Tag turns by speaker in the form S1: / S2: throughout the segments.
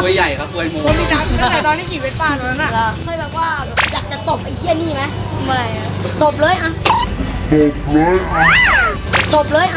S1: กล้วยใหญ่ครับกล้วยโม
S2: คนมีน้ำตั้งแต่ตอนนี้กี่เวทป้าตอนนั้นอ่ะ
S3: เคยแบบว่าอยากจะตบไอ้เหี้ยนี่ไหมไม่ตบเลยอะตบเลยอะ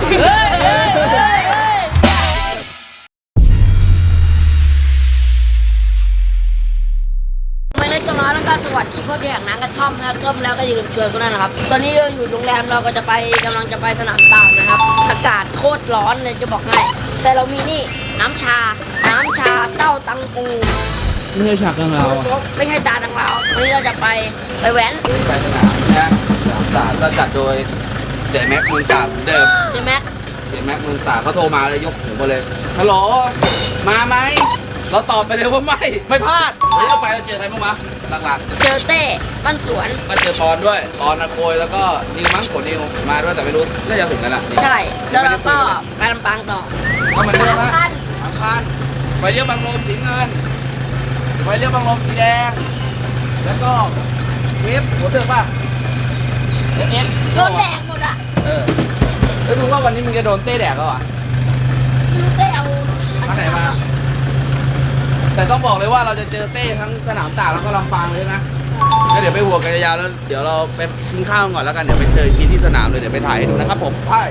S3: ไม่ได้ต้อนรับแล้วก็สวัสดีพวกที่อยากนั่งกระท่อมนะก้มแล้วก็อย่าลืมชวนกันด้วยนะครับตอนนี้อยู่โรงแรมเราก็จะไปกำลังจะไปสนามตากนะครับอากาศโคตรร้อนเลยจะบอกให้แต่เรามีนี่น้ำชาเต้าตังปู
S2: ไม่ใช่ฉากของเรา
S3: ไม่ใช่จานของเราวันนี้เราจะไปแว้น
S1: ไปสนามนะสนามตากก็จัดโดยเจ๊แม็กเมืองตากเหมือนเดิม
S3: ใช่ไหม
S1: เจ๊แม็กเมืองตากเขาโทรมาเลยยกหูมาเลยฮัลโหลมาไหมเราตอบไปเลยว่าไม่พลาดเดี๋ยวเราไปเราเจอใครบ้างวะหลัก
S3: เจอเต้บ้านสวน
S1: ๆก็เจอปอนด้วยปอนอาโคยแล้วก็นิวมั้งผลนิวมาด้วยแต่ไม่รู้น่าจะถึงกันละ
S3: ใช่แล้วเราก็ไปลำปางต่อ
S1: ก็เหมือนเดิม
S3: สามคัน
S1: สามคันไฟเลี้ยวบางลมสีเงินไฟเลี้ยวบางลมสีแดงแล้วก็เวฟหัวเถือกป่ะเอฟ
S3: โดนแดกหมดอ่ะ
S1: แล้วดูว่าวันนี้มึงจะโดนเต้แดกก็วะ
S3: ไม่รู้เต้เอา
S1: มาไหนมา แต่ต้องบอกเลยว่าเราจะเจอเต้ทั้งสนามตากแล้วก็ลำปางเลยนะแล้วเดี๋ยวไปหัวกันยาวๆแล้วเดี๋ยวเราไปกินข้าวก่อนแล้วกันเดี๋ยวไปเจอทีที่สนามเลยเดี๋ยวไปถ่ายให้ดูนะครับผมไป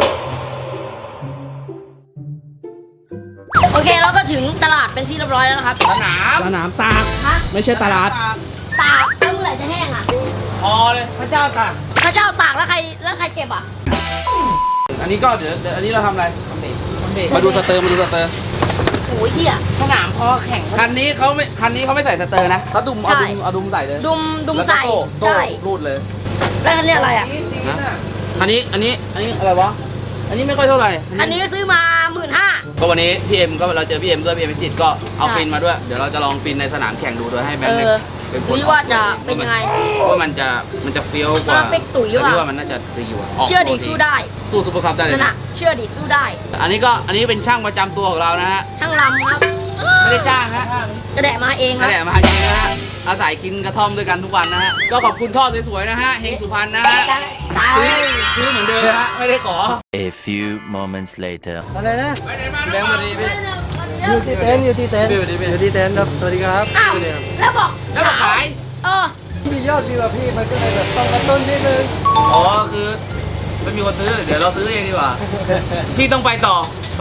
S3: โอเคเราก็ถึงตลาดเป็นที่เรียบร้อยแล้วนะครับ
S1: สนาม
S2: สนามตาก
S3: ฮะ
S2: ไม่ใช่ตลาด
S3: ตากแล้วเมื่อไหร่จะแห้งอ่ะ
S1: พอเลยพระเจ้าตาก
S3: พระเจ้าตากแล้วใครเก็บอ่ะ
S1: อันนี้ก็เดี๋ยวอันนี้เราทำอะไรมาดูสเตอร์
S3: โอ้ยเหี้ย
S2: สนามพอแข่ง
S1: คันนี้เขาไม่ใส่สเตอร์นะเขาดุมเอาดุมใส่เลย
S3: ดุม
S1: แล้วก็
S3: ใส่
S1: โต้
S3: ใช่
S1: รูดเลย
S3: แล้วคันนี้อะไรอ่ะ
S1: นะอันนี้อะไรวะอันนี้ไม่ค่อยเท่าไหร่
S3: คันนี้ซื้อมา15,000
S1: ก็วันนี้พี่เอ็มก็เราเจอพี่เอ็มด้วยพี่เอ็มพิจิตรก็เอา
S3: ใช่
S1: ฟินมาด้วยเดี๋ยวเราจะลองฟินในสนามแข่งดูโดยให้แบงค์เป็นคน
S3: ดูว่าจะเป็นยังไง
S1: ว่ามันจะเฟี้ยวกว่า
S3: สเปคตุ๋ยหรือเปล่า
S1: แต่พี่ว่ามันน่าจะดีกว่าออก
S3: เชื่อดิสู้ได้
S1: สู้ซุปเปอร์คัพได้เลย
S3: นั่น
S1: นะ
S3: น่ะเชื่อดิสู้ได้
S1: อันนี้เป็นช่างประจำตัวของเรานะฮะ
S3: ช่างลำครับ
S1: ไม่ได้จ้างฮะ
S3: กระแดะมาเองค
S1: นั่
S3: รับ
S1: นแหละมาเองนะฮะอาศัยกินกระท่อมด้วยกันทุกวันนะฮะก็ขอบคุณท่อสวยๆนะฮะเฮงสุพรรณนะฮะซื้อเหมือนเดิมนะฮะไม่ได้ขอ
S4: A few moments later.
S2: อะไรนะ
S1: ไปไหนมา
S2: แบงค์มาดี
S1: พี่
S2: อยู่ที่เต็นท์อยู่ที่เต็นท์ครับสวัสดีครับ
S3: อ้าวแล้วบอก
S1: แล้วมาขาย
S3: เออ
S2: พี่ยอดวิวอะพี่มันก็เลยแบบต้องกระตุ้นนิดนึง
S1: อ๋อคือไม่มีคนซื้อเดี๋ยวเราซื้อเองดีกว่าพี่ต้องไปต่อ 25,000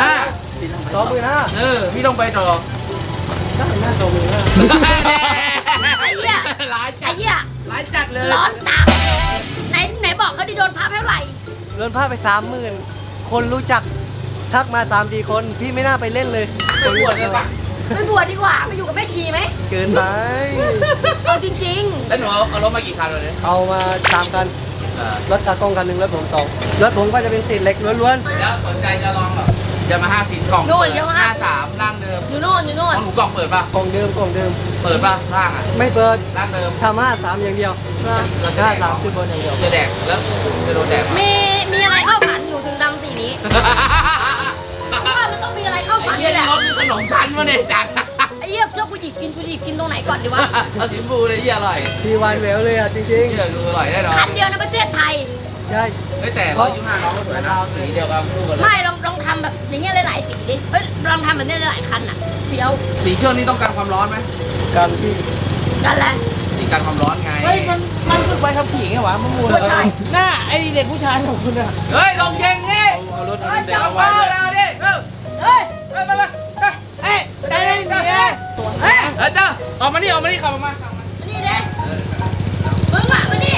S2: 25,000
S1: พี่ต้องไปต่อ
S2: ได้หน้า25,000
S3: ไอ้เหี้ย
S1: ร้าย
S3: ไอ้
S1: จัด
S3: เหี้ย
S1: ร้ายจัดเลย
S3: ร้อนตับไหนบอกเขาได้โดนพับเท่าไหร่
S2: เงินผ้าไป 30,000 คนรู้จักทักมา3-4 คนพี่ไม่น่าไปเล่นเลย
S1: ไปบวชเลยปะ
S3: ไปบวชดีกว่าไปอยู่กับแม่ชีไหม
S2: เกินไป
S3: เอาจริง
S1: แล้วหนูเอารถมากี่คันเลย
S2: เอามา3 คัน รถตากล้องคันหนึ่งรถผม2 รถผมก็จะเป็นสีเหล็กล้วน
S1: แล้วสนใจจะลองแบบจะมา50กล่อง53ร่างเดิม
S3: ๆอยู่โน่นอยู่โน่
S1: ข
S3: น
S1: องหนูกล่องเปิดป่ะ
S2: ๆกล่องเดิม
S1: เปิดป่ะร่างอ่ะ
S2: ไม่เปิด
S1: ร่างเดิม
S2: ทำ53อย่างเดียว53คือบนอย่างเดียว
S1: จะแดกแล้วจะโดนแดก
S3: มีอะไรเข้าฝันอยู่ถึงดำสีนี้ว่ามันต้องมีอะไรเข้าฝัน
S1: ไอ้เหี้ย
S3: นี่แหละ
S1: รถมีขนมชั้นมาเนี่ยจัด
S3: ไอ้เหี้ยเจ้ากูหยิบกินตรงไหนก่อนดีวะ
S1: เอาสีชมพูเลยเหี้ยอร่อย
S2: พี่วานแหววเลยอ่ะจริง
S1: เหี้ยดูอร่อยแน่นอน
S3: คันเดียวในประเทศไทย
S2: ๆ ใช่
S1: เฮ้ยแต่125น้องก็สวยนะสีเดียวกันคู่กันเลย
S3: ไม่ลองทำแบบอย่างเงี้ยหลายๆสีดิเฮ้ยลองทำแบบนี้หลายๆคันอ่ะเฟี้ยว
S1: สีเครื่องนี้ต้องการความร้อนไหม
S2: การที่
S3: กันแหละ
S1: สีกันความร้อนไง
S2: เฮ้ยมันฝึกไปขับขี่ไงวะมันมูล
S3: ก็ใช่
S2: หน้าไอเด็กผู้ชายของคุณอะ
S1: เฮ้ยลงเก่งนี่
S2: เอารถ
S3: เฮ้ย
S2: เด็ก
S3: จับ
S2: เอา
S1: เบา
S2: ไว้
S1: แล้วดิเออ
S3: เฮ้ย
S1: ไปไป
S3: เฮ้ยใจเย็นดิเฮ้ย
S1: เจ้าออกมานี่ขับออกมา
S3: นี่เด้มึงอ่ะมานี่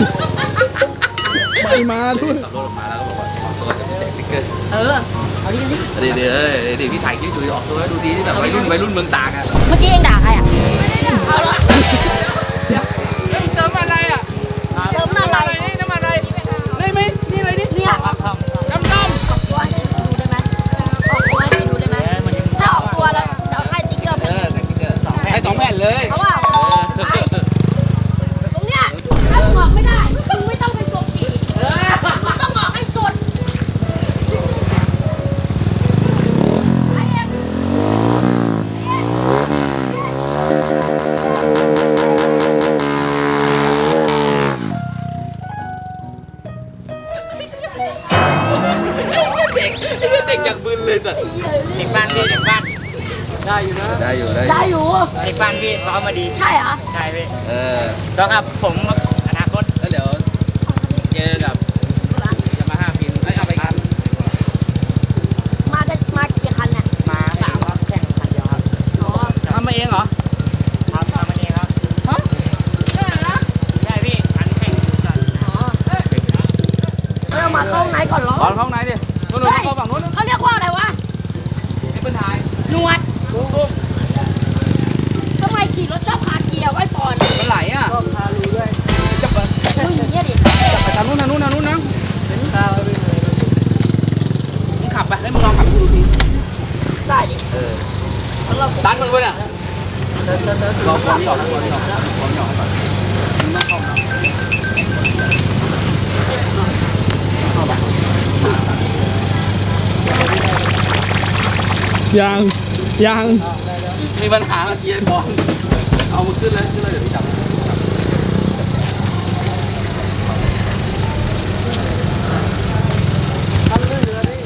S2: ไม่มาด้วย
S1: ขับรถออกมาแล้วก็บอกว่าออกตัวจะไม่แจกสติ๊กเกอร์
S3: เออเอาดิ
S1: เดี๋ยวพี่ถ่ายคลิปดูออกตัวให้ดูดีที่แบบวัยรุ่นเมืองตากอ่ะ
S3: เมื่อกี้เองด่าใครอ่ะไม่ได้ด่าเอาละ
S1: เติมอะไรอ่ะ
S3: เติมอะไร
S1: นี่น้ำมันอะไรได้ไหมนี่อะไรนี่
S3: เนี่ย
S1: น้ำ
S3: ออกตัวให้ดูได้ไหมออกตัวให้ดูได้ไหมถ้าออกตัวแล้วจะเอาให้ติ๊กเกอร์ไป
S1: สติ๊กเกอร์ให้2 แผ่นเลย
S3: เพราะว่าไปตรงเนี้ยถ้ามึงออกไม่ได้มึงไม่ต้องเป็นตัวขี่มึงต้องออกให้สุดไอ้เอ็มไอ้เอ็ม
S2: ได้อยู่นะ
S1: ได้อยู่
S3: ได้อยู่
S5: ไอ้ฟันพี่ซ้อมมาดี
S3: ใช่เหรอ
S5: ใช่พี่
S1: ต้อง
S5: ครับผมอนาคต
S1: แล้วเดี๋ยวเจอกับยามาฮ่าฟินเอาไปกัน
S3: มากี่คันเนี่ย
S5: มา3ครับแข่งขันเดียวครับ
S3: อ๋อ
S1: ทำมาเองเหรอ
S5: ครับทำมาเองครับ
S1: ฮะใช่นะ
S5: ใช่พี่อันแข่งก่อน
S3: อ๋อเรามาเข้าไหนก่อนเหรอ
S1: ตอนเข้าไหนดินู่นเข้าฝั่งนู้น
S3: เขาเรียกว่าอะไรวะ
S1: ไอ้เปิ้ลถ่าย
S3: หนวด
S1: ตุ้ม
S3: ทำไมขี่รถชอบพาเกียร์ไว้ปอน
S1: มันไหลอ่ะ
S2: ชอบพาลุยด้วย
S1: จะไป
S3: อุ้ยเหี้ยดิ
S1: ทางนู้นนะ
S2: เห็นตาไปเลย
S1: มึงขับไปให้มึงลองขับดูที
S3: ได้ดิ แล้วเรา
S1: ตันมันด้วยน่ะ
S2: เติร์ด
S1: ลองนี่ออกลองนี่ออกก่อนมึงต้องเข้ามา
S6: ยัง
S1: มีปัญหากับเกียร์บอลเอามาขึ้นเลยเดี๋ยวพี่จับ
S2: ทำด้วยเรือนี่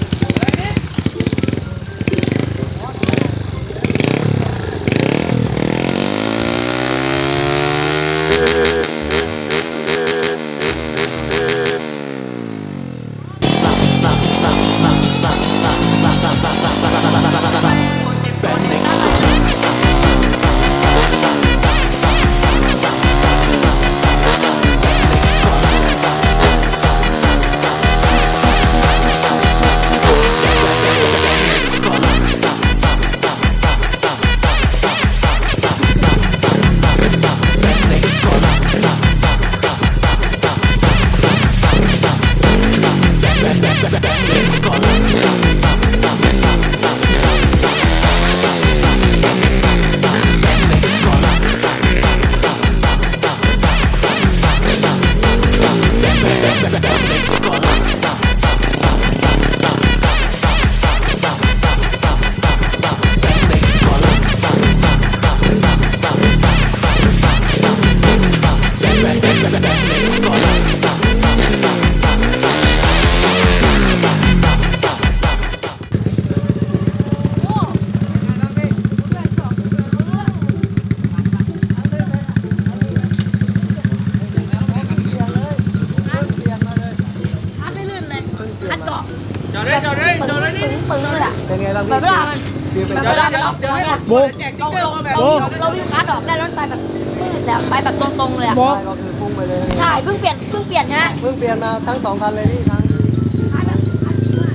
S3: คัดไม่ลื่นเลยคัดเกาะ
S1: จอดเลยนี่
S3: ปึ้งเลยอ่ะ
S2: เป็นไงบ้าง
S3: แบบเวลามัน
S2: คือเป็น
S3: แบบ
S2: ไง
S3: เวลามันออกตัวเนี่ย
S6: โบ๊ะ
S1: แจกติ๊กเกอร์มาแบบ
S3: เราวิ่งคัดออกได้รถไปแบบปื้ดแล้วไปแบบตรงๆเลยอ่ะ
S6: โบ๊ะ
S2: ก็คือพุ่งไปเลย
S3: ใช่เพิ่งเปลี่ยนใช่ไหม
S2: เพิ่งเปลี่ยนมาทั้ง2 คันเลยพี่ทั้ง
S3: คัดแบบคัดดีมาก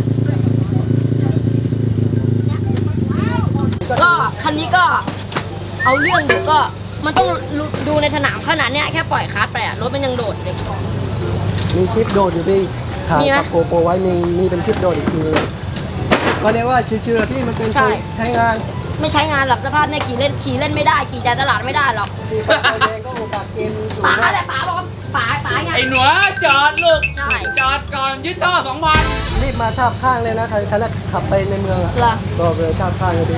S3: ก็คันนี้ก็เอาเรื่องอยู่ก็มันต้องดูในสนามขนาดเนี้ยแค่ปล่อยคัดไปอ่ะรถมันยังโดดเลย
S2: มีคลิปโดดอยู่พี่ถ่าย
S3: มีไหม
S2: กับโกโปรไว้มีเป็นคลิปโดดอีกทีก็เรียกว่าชิวๆพี่มันเป็น
S3: ใช่
S2: ใช้งาน
S3: ไม่ใช้งานหรอกสภาพเนี่ยขี่เล่นไม่ได้ขี่จ่ายตลาดไม่ได้หรอก
S2: มีไฟแดงก็โอกาสเกมมีสูง
S3: ป๋าม
S2: าก
S3: แหละป๋าบอกว่าป๋าไง
S1: ไอ้หนูจอดลูก
S3: ใช่
S1: จอดก่อนยึดท่อ 2,000
S2: รีบมาทับข้างเลยนะใครขับไปในเมืองอะ
S3: เหรอ
S2: ก็เลยทับข้างเลยดิ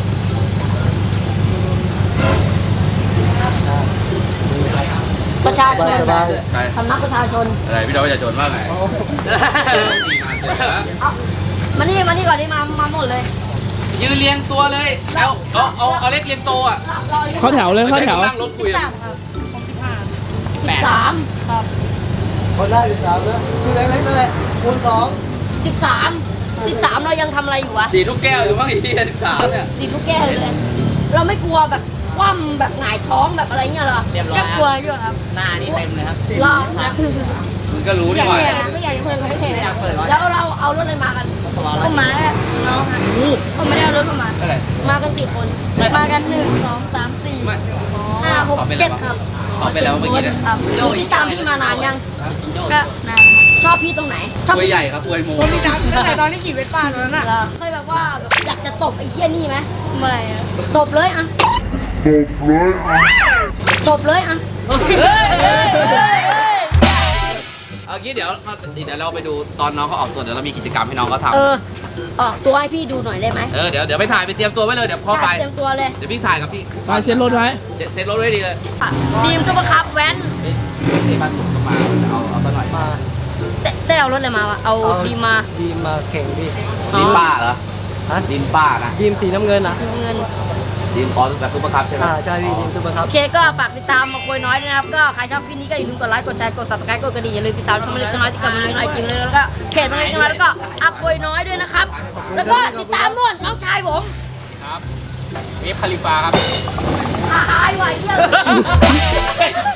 S3: ประชาชน
S2: สบาย
S1: ใช่
S3: สำนักประชาชน
S1: อะไรพี่น้องประชาชนว่าไง
S2: ๆ
S3: เอามานี่ก่อนนี่มาหมดเลย
S1: ยืนเรียงตัวเลยเอาเล็กเรียงโตอ่ะ
S6: เข้าแถวเลยเข้าแถว
S1: นั่งรถคุยอะ
S3: 13ครับ
S2: คนได้13นะชื่อเล็กๆนั่นแหละคูณ2
S3: 13เรายังทำอะไรอยู่วะ
S1: สีทุกแก้วอยู่บ้างอีกที่13เนี่ย
S3: ติดลูกแก้วอยู่เลย เราไม่กลัวแบบคว่ำแบบหงายท้องแบบอะไรเงี้ยเหรอ
S5: เรียบร้อย
S3: แค่กลัวอยู่ครับ
S5: หน้านี่เต็มเลยครับ
S3: รอบนะ
S1: มึงก็รู้
S3: อ
S1: ดี
S3: ยาก
S1: กว่า
S3: เห็นไม่อยากเพื่อนเขาไม่เห็น
S5: อยากเปิดวะ
S3: แล้วเราเอารถอะไรมากันผมมาแล้วน้องค่ะผมไม่ได้เอารถมา
S1: เท่าไหร่
S3: มากันกี่คน มากัน1 2 3 4
S1: ไม่
S3: 5 6 7ครับ
S1: ขอไปแล้วเมื่อกี้เนี่ย
S3: ครับพี่ตามพี่มานานยัง ก็นานชอบพี่ตรงไหนชอบ
S1: อวยใหญ่ครับอวยโม
S3: ผมมีตามตั้งแต่ตอนที่ขี่เวสป้าตอนนั้นอ่ะเคยแบบว่าแบบอยากจะตบไอ้เหี้ยนี่ไหมไม่ตบเลยอ่ะตบเลยอ่ะ
S1: เอางี้เดี๋ยวเราไปดูตอนน้องเขาออกตัวเดี๋ยวเรามีกิจกรรมให้น้องเขาท
S3: ออกตัวให้พี่ดูหน่อยได้ไหม
S1: ำเดี๋ยวไปถ่ายไปเตรียมตัวไว้เลยเดี๋ยวพ่อไป
S3: ใช่เตรียมตัวเลย
S1: เดี๋ยวพี่ถ่ายกับพี่
S6: ไปเช็ดรถไว้
S1: เซ็ตรถไว้ดีเลย
S3: ดีมซุปเปอร์คัพแว้น
S1: เฮ้ยบ้านผมก็มาจะเอาซะหน่อย
S2: มา
S3: ได้เอารถอะไรมาวะเอาดีมมา
S2: ดีมาแข่งพี่
S1: นี่ป้าเหรอ
S2: ฮะ
S1: ทีมป้านะ
S2: ทีมสีน้ำเงินอ่ะ
S3: เงิน
S1: ทีมออสแบบซุปเปอร์คัพใช่ไหม
S2: ใช่พี่ทีมซุปเปอร์คัพ
S3: โอเคก็ฝากติดตามมาคุยน้อยด้วยนะครับ ก็ใครชอบคลิปนี้ก็อย่าลืมกดไลค์ กดแชร์ กด subscribe กดกระดิ่งอย่าลืมติดตามช่องมาเล็กน้อยที่กับมาเล็กน้อยจริงเลยแล้วก็เพจมาเล็กน้อยแล้วก็อาคุยน้อยด้วยนะครับ แล้วก็ติดตามนู่นน้องชายผม
S5: ครับเอฟคาลิฟาครับ
S3: หายไหวเยี่ยม